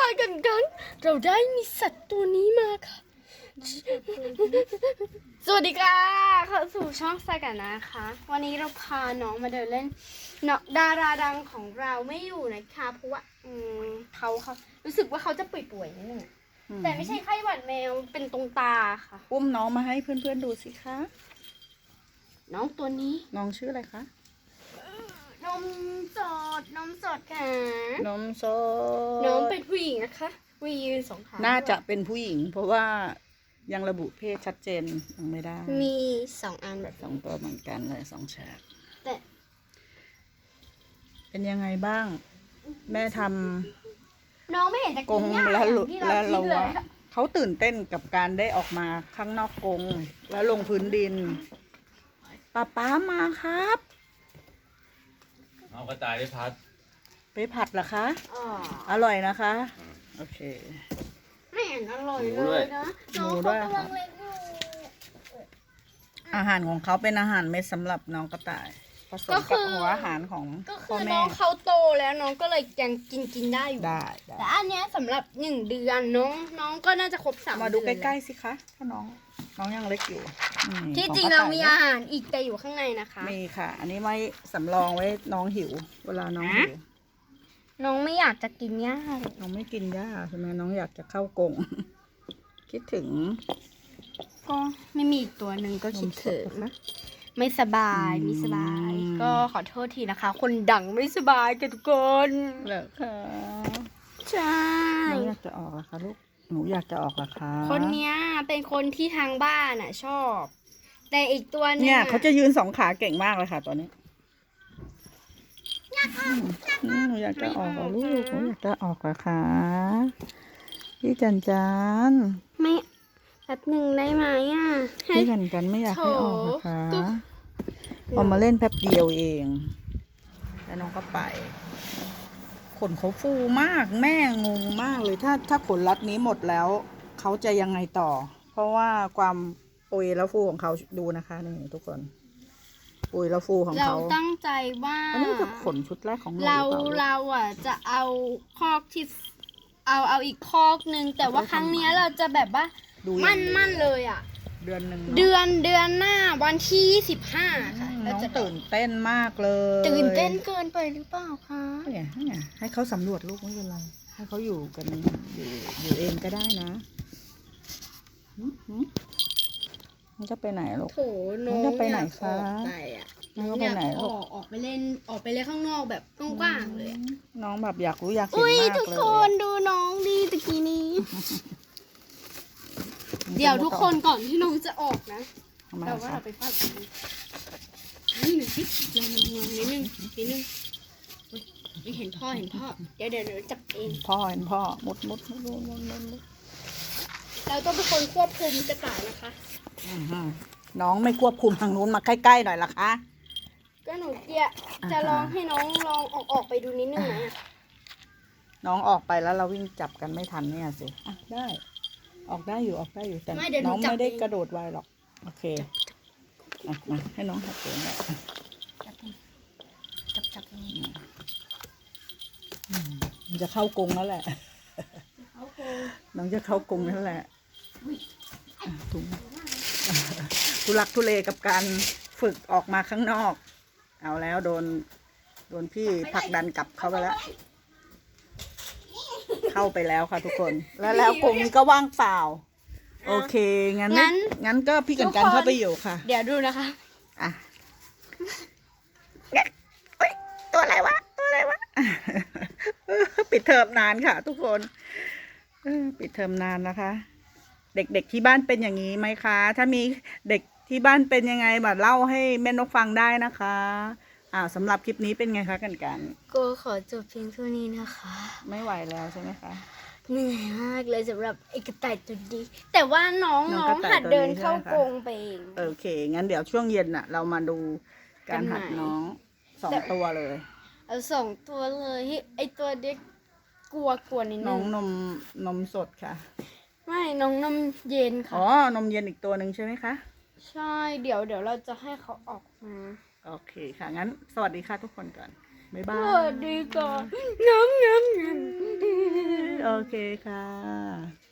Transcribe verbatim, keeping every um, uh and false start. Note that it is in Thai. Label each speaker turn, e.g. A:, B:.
A: ายกันกันเราได้มีสัตว์ตัวนี้มาค่ะสวัสดีค่ะเข้าสู่ช่องสายกันนะคะ วันนี้เราพาน้องมาเดินเล่นเนาะดาราดังของเราไม่อยู่นะคะเพราะว่าอืมเขาเขารู้สึกว่าเขาจะป่วยๆนิดนึงอะแต่ไม่ใช่ไข้หวัดแมวเป็นตรงตาค่ะ
B: อุ้มน้องมาให้เพื่อนๆดูสิคะ
A: น้องตัวนี้
B: น้องชื่ออะไรคะ
A: นมสดนมสดค่ะ
B: นมสด
A: น้องเป็นผู้หญิงนะคะวียืนสองขา
B: น่าจะเป็นผู้หญิง เพราะว่ายังระบุเพศชัดเจนยังไม่ได้
A: มีสองอันแบบ
B: สองตัวเหมือนกันเลยสองฉาก
A: แต่
B: เป็นยังไงบ้าง แม่ท
A: น้องไม่เห็นจะ
B: ำก
A: กิ
B: ง
A: นหญ้า
B: แล้ว
A: อย่างที่เรา
B: แล้ว
A: คิ
B: เรา
A: ดเลย
B: ว่าเขาตื่นเต้นกับการได้ออกมาข้างนอกกรงแล้วลงพื้นดินป้าป้ามาครับ
C: เอากระต่ายได้พัด
B: ไปผัดเหรอคะ
A: อ๋อ
B: อร่อยนะคะ โอเค
A: ไม่เห็นอร่อยเลยนะ
B: หมู
A: น้อง
B: ด้
A: เขา
B: วย
A: กำลังเล็กอยู่
B: อาหารของเขาเป็นอาหารเม็ดสำหรับน้องกระต่ายผสมกับหัวอาหารของ
A: ก็คื
B: พ่อ
A: อน้
B: แม่
A: องเขาโตแล้วน้องก็เลยยังกินกินได้อยู่
B: ได้ได้
A: แต่อันเนี้ยสำหรับหนึ่งเดือนน้องน้องก็น่าจะครบสาม
B: มาดูใก
A: เอน
B: ล้ๆสิคะถ้าน้อง น้องยังเล็กอยู่อืม
A: ที่
B: ข
A: จริง
B: กะ
A: เรา
B: ต่ย
A: มีอาหารอีกแต่อยู่ข้างในนะคะ
B: มีค่ะ อันนี้ไว้สำรองไว้น้องหิว เวลาน้องหิว
A: น้องไม่อยากจะกินหญ้าเลย
B: น้องไม่กินหญ้าใช่ไหมน้องอยากจะเข้ากรง คิดถึง
A: ก็ไม่มีอีกตัวหนึ่งก็คิดถึง
B: นมสนะ
A: ไม่สบาย
B: อืม
A: ไม่สบาย ก็ขอโทษทีนะคะ คนดังไม่สบายกันทุกคน
B: เหรอคะ
A: ใช่
B: น้องอยากจะออกเหรอคะลูกหนูอยากจะออกเหรอคะ
A: คนเนี้ยเป็นคนที่ทางบ้านอ่ะ ชอบ แต่อีกตัวหนึง
B: เนี่ย
A: อะ
B: เขาจะยืนสองขาเก่งมากเลยค่ะตัวนี้อืมหนูอยากจะออกเหรอลูกหนูอยากจะออกเหรอคะพี่จันจัน
A: ไม่แป๊บหนึ่งได้ไหมอ่ะให้
B: พี่จันจันไม่อยากให้ออกเหรอคะ
A: โถก็
B: ออกมาเล่นแป๊บเดียวเอง แล้วน้องก็ไป ขนเขาฟูมาก แม่งงมากเลยถ้าถ้าขนรัดนี้หมดแล้ว เขาจะยังไงต่อ เพราะว่าความปุยแล้วฟูของเขาดูนะคะนี่ทุกคน ปุยแล้วฟูของ
A: เรา
B: เขา
A: ตั้งใจว่า
B: อันนี้จะขนชุดแรกของหนูหรือ
A: เรา
B: เปล่าลูก
A: เราอ่ะจะเอาคอกที่เอาเอาอีกคอกนึง แต่ว่าครั้งเนี้ยเราจะแบบว่า
B: ดูอย่าง
A: มั่น
B: เดียว
A: มั่นเลยอ่ะ
B: เดือนหนึ่งเนอะ
A: เดือนเดือนหน้าวันที่ยี่สิบห้าค่ะ
B: อืม
A: เรา
B: น้อง
A: จะ
B: ตื่นเต้นมากเลย
A: ตื่นเต้นเกินไปหรือเปล่าคะ
B: เนี่ยเนี่ยให้เขาสำรวจลูกไม่เป็นไรให้เขาอยู่กันอยู่อยู่เองก็ได้นะหืมหืมมันจะไปไหนลูก
A: โถน้อง
B: น้องจะไปไหน
A: อยากออก
B: คะ
A: ไปอ่ะ
B: น้องจะไปไหน
A: อยาก
B: ลู
A: อก อกออกไปเล่นออกไปเล่นข้างนอกแบบกว้างๆเลยอะ
B: น้องแบบอยากรู้อยากเห็น
A: อุ้ย
B: มาก
A: ทุก
B: เลย
A: คนดูน้องดีตะกี้นี้ เดี๋ยวทุกคนก่อนที่น้องจะออกนะ
B: ทำไม
A: แต่ว่า
B: คะ
A: เราไปฟาดกันนี่หนึ่งสิลองลองลองนิดนึงนิดนึงอุ๊ยไม่เห็นพ่อเห็นพ่อ เดี๋ยวเดี๋ยวเดี๋ยวจับเอง
B: พ่อเห็นพ่อมุดมุดมุดมุดมุดมุดมุด
A: เราต้องเป็นคนควบคุมกระต่ายนะคะ
B: อื้อหือน้องไม่ควบคุมทางนู้นมาใกล้ๆหน่อยล่ะคะ
A: ก็หนูเจียจะลองให้น้องลองออกออกไปดูนิดนึงไหมอะ
B: น้องออกไปแล้วเราวิ่งจับกันไม่ทันเนี่ยสิอ่ะได้ ออกได้อยู่ออกได้อยู่แต่
A: ไม่เดี๋ยวหนู
B: น้อง
A: จับ
B: ไม่ได้
A: เอง
B: กระโดดไวหรอกโอเคอ่ะมาให้น้องหัดเองหน่อย
A: จับจับตรงนี้
B: มันจะเข้ากรงแล้วแหละ
A: เขาโคง
B: น้องจะเข้ากรงแล้วแหละ
A: อุ๊ย
B: อ่ะถุงทุลักทุเลกับการฝึกออกมาข้างนอก เอาแล้วโดน โดนพี่ผลักดันกลับเข้าไปแล้ว เข้าไปแล้วค่ะทุกคน แล้วแล้วกรงนี้ก็ว่างเปล่า โอเค งั้นไม่งั้นก็พี่กันกันเข้าไปอยู่ค่ะ
A: เดี๋ยวดูนะคะ
B: อ่ะเฮ้ยตัวอะไรวะ ตัวอะไรวะ ปิดเทอมนานค่ะ ทุกคนเออปิดเทอมนานนะคะ เด็กๆที่บ้านเป็นอย่างนี้ไหมคะ ถ้ามีเด็กที่บ้านเป็นยังไงแบบเล่าให้แม่นกฟังได้นะคะอ้าวสำหรับคลิปนี้เป็นไงคะกันกัน
A: ก็ขอจบเพียงเท่านี้นะคะ
B: ไม่ไหวแล้วใช่ไหมคะ
A: เหนื่อยมากเลยสำหรับไอ้กระต่ายตัวนี้แต่ว่าน้อง
B: น้
A: น้
B: อ
A: อง ง
B: กระต่าย
A: หัดเดิน
B: ตัวนี้
A: เข้า
B: ใช่ไหมคะ
A: กรงไปเอง
B: โอเค งั้นเดี๋ยวช่วงเย็นน่ะ เรามาดูการหัด
A: กันไหน
B: น้องสอง
A: แต่
B: ตัวเลย
A: เอาสองตัวเลยไอ้ตัวเด็กกลัวกลัวนิด
B: น้
A: นึ
B: อง
A: ง
B: นมนมสดค่ะ
A: ไม่น้องนมเย็น
B: อ๋อ
A: ค่ะ
B: นมเย็นอีกตัวหนึ่งใช่ไหมคะ
A: ใช่เดี๋ยวเดี๋ยวเราจะให้เขาออกมา
B: โอเคค่ะ งั้นสวัสดีค่ะทุกคนก่อน บ๊าย
A: ส
B: บาย
A: วัสดีก่อนน้ำน้ำน้ำ
B: โอเคค่ะ